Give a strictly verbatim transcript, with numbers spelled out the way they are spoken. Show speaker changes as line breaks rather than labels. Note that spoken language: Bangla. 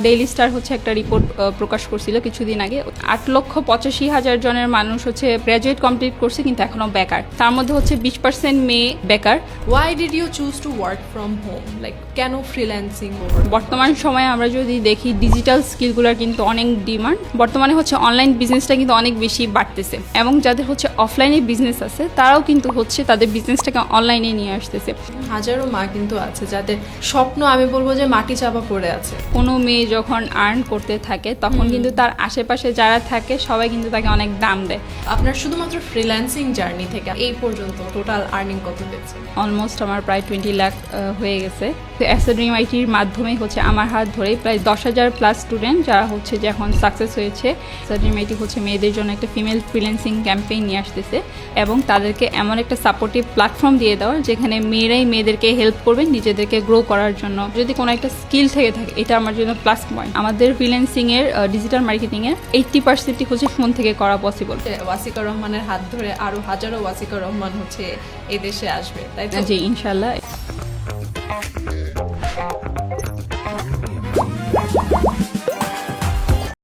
ডেইলি স্টার হচ্ছে একটা রিপোর্ট প্রকাশ করছিল কিছুদিন আগে, আট লক্ষ পঁচাশি হাজার জনের মানুষ হচ্ছে গ্র্যাজুয়েট কমপ্লিট করছে কিন্তু এখনো বেকার, তার মধ্যে হচ্ছে বিশ পার্সেন্ট মেয়ে বেকার।
Why did you choose to work from home? Like কেন ফ্রিল্যান্সিং?
বর্তমান সময়ে আমরা যদি দেখি ডিজিটাল স্কিলগুলোর কিন্তু অনেক ডিমান্ড, বর্তমানে হচ্ছে অনলাইন বিজনেসটা কিন্তু অনেক বেশি বাড়তেছে এবং যাদের হচ্ছে অফলাইনে বিজনেস আছে তারাও কিন্তু হচ্ছে তাদের বিজনেসটাকে অনলাইনে নিয়ে আসতেছে।
হাজারো মা কিন্তু আছে যাদের স্বপ্ন আমি বলবো যে মাটি চাপা পড়ে আছে।
কোনো মেয়ে যখন আর্ন করতে থাকে তখন কিন্তু তার আশেপাশে যারা থাকে সবাই কিন্তু তাকে অনেক দাম দেয়।
আপনার শুধুমাত্র ফ্রিল্যান্সিং জার্নি থেকে এই পর্যন্ত টোটাল আর্নিং কত হয়েছে?
অলমোস্ট আমার প্রায় টোয়েন্টি লাখ হয়ে গেছে। অ্যাসেড্রিম আইটির মাধ্যমে হচ্ছে আমার হাত ধরে প্রায় দশ হাজার প্লাস স্টুডেন্ট যারা হচ্ছে যে এখন সাকসেস হয়েছে। অ্যাসেড্রিম আইটি হচ্ছে মেয়েদের জন্য একটা ফিমেল ফ্রিল্যান্সিং ক্যাম্পেইন নিয়ে আসতেছে এবং তাদেরকে এমন একটা সাপোর্টিভ প্ল্যাটফর্ম দিয়ে দেওয়ার যেখানে মেয়েরাই মেয়েদেরকে হেল্প করবেন নিজেদেরকে গ্রো করার জন্য। যদি কোনো একটা স্কিল থেকে থাকে এটা আমার জন্য প্লাস পয়েন্ট। আমাদের ফ্রিল্যান্সিং এর ডিজিটাল মার্কেটিং এর এইট্টি পার্সেন্টই হচ্ছে ফোন থেকে করা পসিবল।
ওয়াসিকা রহমানের হাত ধরে আরো হাজারো ওয়াসিকা রহমান হচ্ছে এদেশে আসবে, তাই তো?
জি ইনশাল্লাহ।